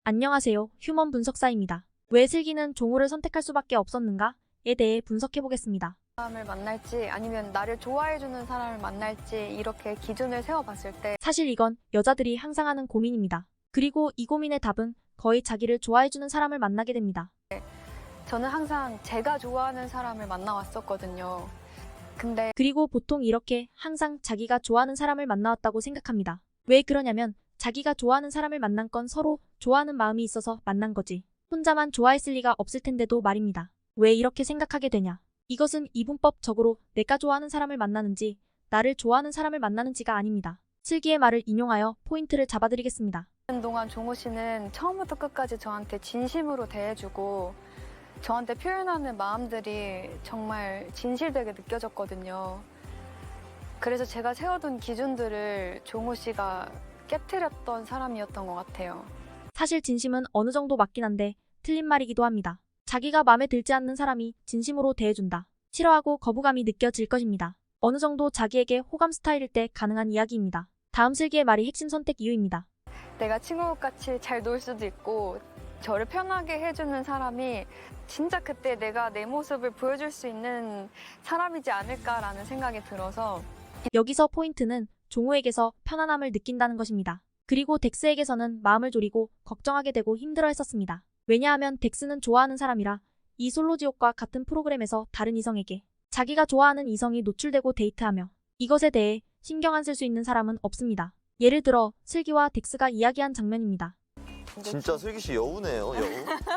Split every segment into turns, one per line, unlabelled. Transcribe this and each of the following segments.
안녕하세요. 휴먼 분석사입니다. 왜 슬기는 종호를 선택할 수밖에 없었는가에 대해 분석해보겠습니다.
사람을 만날지 아니면 나를 좋아해주는 사람을 만날지 이렇게 기준을 세워봤을 때
사실 이건 여자들이 항상 하는 고민입니다. 그리고 이 고민의 답은 거의 자기를 좋아해주는 사람을 만나게 됩니다.
저는 항상 제가 좋아하는 사람을 만나왔었거든요. 근데
그리고 보통 이렇게 항상 자기가 좋아하는 사람을 만나왔다고 생각합니다. 왜 그러냐면 자기가 좋아하는 사람을 만난 건 서로 좋아하는 마음이 있어서 만난 거지. 혼자만 좋아했을 리가 없을 텐데도 말입니다. 왜 이렇게 생각하게 되냐? 이것은 이분법적으로 내가 좋아하는 사람을 만나는지 나를 좋아하는 사람을 만나는지가 아닙니다. 슬기의 말을 인용하여 포인트를 잡아드리겠습니다.
그동안 종호 씨는 처음부터 끝까지 저한테 진심으로 대해주고 저한테 표현하는 마음들이 정말 진실되게 느껴졌거든요. 그래서 제가 세워둔 기준들을 종호 씨가 깨트렸던 사람이었던 것 같아요.
사실 진심은 어느 정도 맞긴 한데 틀린 말이기도 합니다. 자기가 마음에 들지 않는 사람이 진심으로 대해준다. 싫어하고 거부감이 느껴질 것입니다. 어느 정도 자기에게 호감 스타일일 때 가능한 이야기입니다. 다음 슬기의 말이 핵심 선택 이유입니다.
내가 친구같이 잘 놀 수도 있고 저를 편하게 해주는 사람이 진짜 그때 내가 내 모습을 보여줄 수 있는 사람이지 않을까라는 생각이 들어서
여기서 포인트는 종호에게서 편안함을 느낀다는 것입니다. 그리고 덱스에게서는 마음을 졸이고 걱정하게 되고 힘들어했었습니다. 왜냐하면 덱스는 좋아하는 사람이라 이 솔로지옥과 같은 프로그램에서 다른 이성에게 자기가 좋아하는 이성이 노출되고 데이트하며 이것에 대해 신경 안 쓸 수 있는 사람은 없습니다. 예를 들어 슬기와 덱스가 이야기한 장면입니다.
진짜 슬기 씨 여우네요, 여우.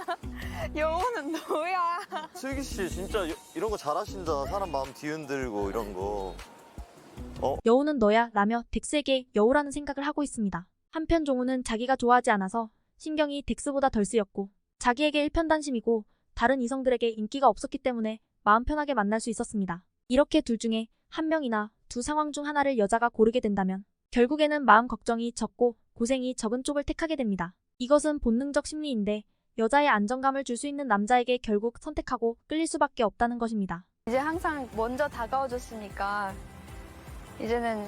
여우는 너야.
슬기 씨 진짜 이런 거 잘하신다. 사람 마음 뒤흔들고 이런 거.
여우는 너야 라며 덱스에게 여우라는 생각을 하고 있습니다. 한편 종우는 자기가 좋아하지 않아서 신경이 덱스보다 덜 쓰였고 자기에게 일편단심이고 다른 이성들에게 인기가 없었기 때문에 마음 편하게 만날 수 있었습니다. 이렇게 둘 중에 한 명이나 두 상황 중 하나를 여자가 고르게 된다면 결국에는 마음 걱정이 적고 고생이 적은 쪽을 택하게 됩니다. 이것은 본능적 심리인데 여자의 안정감을 줄 수 있는 남자에게 결국 선택하고 끌릴 수밖에 없다는 것입니다.
이제 항상 먼저 다가와줬으니까 이제는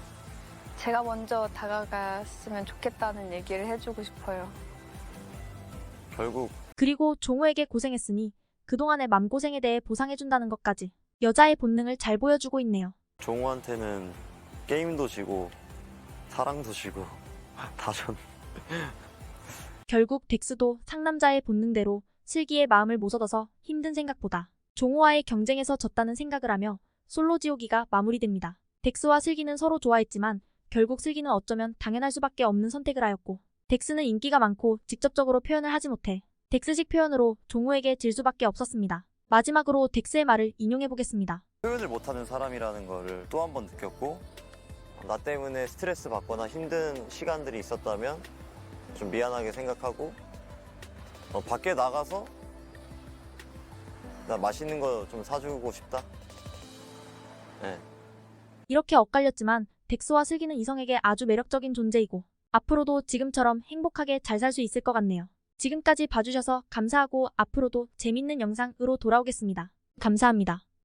제가 먼저 다가갔으면 좋겠다는 얘기를 해주고 싶어요.
결국
그리고 종호에게 고생했으니 그동안의 맘고생에 대해 보상해준다는 것까지 여자의 본능을 잘 보여주고 있네요.
종우한테는 게임도 지고 사랑도 지고 다 전.
결국 덱스도 상남자의 본능대로 슬기의 마음을 못 얻어서 힘든 생각보다 종호와의 경쟁에서 졌다는 생각을 하며 솔로지오기가 마무리됩니다. 덱스와 슬기는 서로 좋아했지만 결국 슬기는 어쩌면 당연할 수밖에 없는 선택을 하였고 덱스는 인기가 많고 직접적으로 표현을 하지 못해 덱스식 표현으로 종호에게 질 수밖에 없었습니다. 마지막으로 덱스의 말을 인용해보겠습니다.
표현을 못하는 사람이라는 거를 또 한 번 느꼈고 나 때문에 스트레스 받거나 힘든 시간들이 있었다면 좀 미안하게 생각하고 밖에 나가서 나 맛있는 거 좀 사주고 싶다. 네.
이렇게 엇갈렸지만 덱스와 슬기는 이성에게 아주 매력적인 존재이고 앞으로도 지금처럼 행복하게 잘 살 수 있을 것 같네요. 지금까지 봐주셔서 감사하고 앞으로도 재밌는 영상으로 돌아오겠습니다. 감사합니다.